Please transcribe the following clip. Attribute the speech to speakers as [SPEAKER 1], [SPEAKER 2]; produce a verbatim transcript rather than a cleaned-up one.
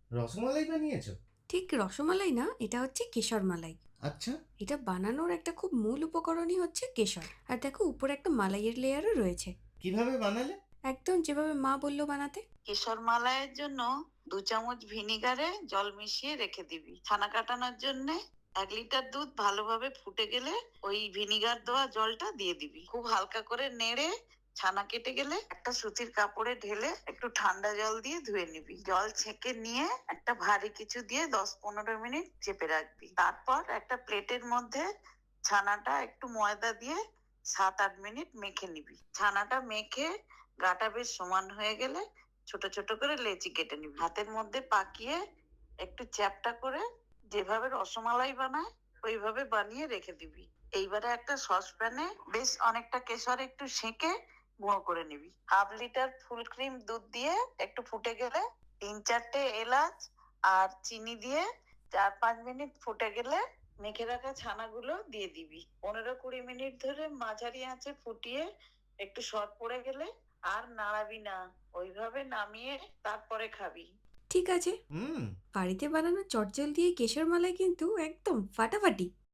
[SPEAKER 1] রসমালাই বানিয়েছো?
[SPEAKER 2] ঠিক রসমালাই না, এটা হচ্ছে কেশর মালাই।
[SPEAKER 1] আচ্ছা।
[SPEAKER 2] এটা বানানোর একটা খুব মূল উপকরণই হচ্ছে কেশর। আর দেখো উপরে একটা মালাইয়ের লেয়ারও রয়েছে।
[SPEAKER 1] কিভাবে বানালে?
[SPEAKER 2] একদম যেভাবে মা বললো বানাতে।
[SPEAKER 3] কেশর মালাইয়ের জন্য দু চামচ ভিনিগারে জল মিশিয়ে রেখে দিবি। ছানা কাটানোর জন্য এক লিটার দুধ ভালোভাবে ফুটে গেলে ওই ভিনিগার দেওয়া জলটা দিয়ে দিবি। খুব হালকা করে নেড়ে ছানা কেটে গেলে একটা সুতির কাপড়ে ঢেলে একটু ঠান্ডা জল দিয়ে ধুয়ে নিবি। জল ছেঁকে নিয়ে একটা ভারী কিছু দিয়ে দশ পনেরো মিনিট চেপে রাখবি। তারপর একটা প্লেটের মধ্যে ছানাটা একটু ময়দা দিয়ে সাত আট মিনিট মেখে নিবি। ছানাটা মেখে গাটা বেশ সমান হয়ে গেলে ছোট ছোট করে লেচি কেটে নিবি। হাতের মধ্যে পাকিয়ে একটু চ্যাপটা করে যেভাবে রসমালাই বানায় ওইভাবে বানিয়ে রেখে দিবি। এইবারে একটা সসপ্যানে বেশ অনেকটা কেশর একটু সেঁকে গুঁড়ো করে নিবি। হাফ লিটার ফুল ক্রিম দুধ দিয়ে একটু ফুটে গেলে তিন চারটে এলাচ আর চিনি দিয়ে চার পাঁচ মিনিট ফুটে গেলে মেখে রাখা ছানাগুলো দিয়ে দিবি। পনেরো কুড়ি মিনিট ধরে মাঝারি আঁচে ফুটিয়ে একটু সর পড়ে গেলে আর নাড়াবি না, ওইভাবে নামিয়ে তারপরে খাবি।
[SPEAKER 2] ঠিক আছে।
[SPEAKER 1] হুম।
[SPEAKER 2] বাড়িতে বানানো চটজলদি এই কেশর মালাই কিন্তু একদম ফাটাফাটি।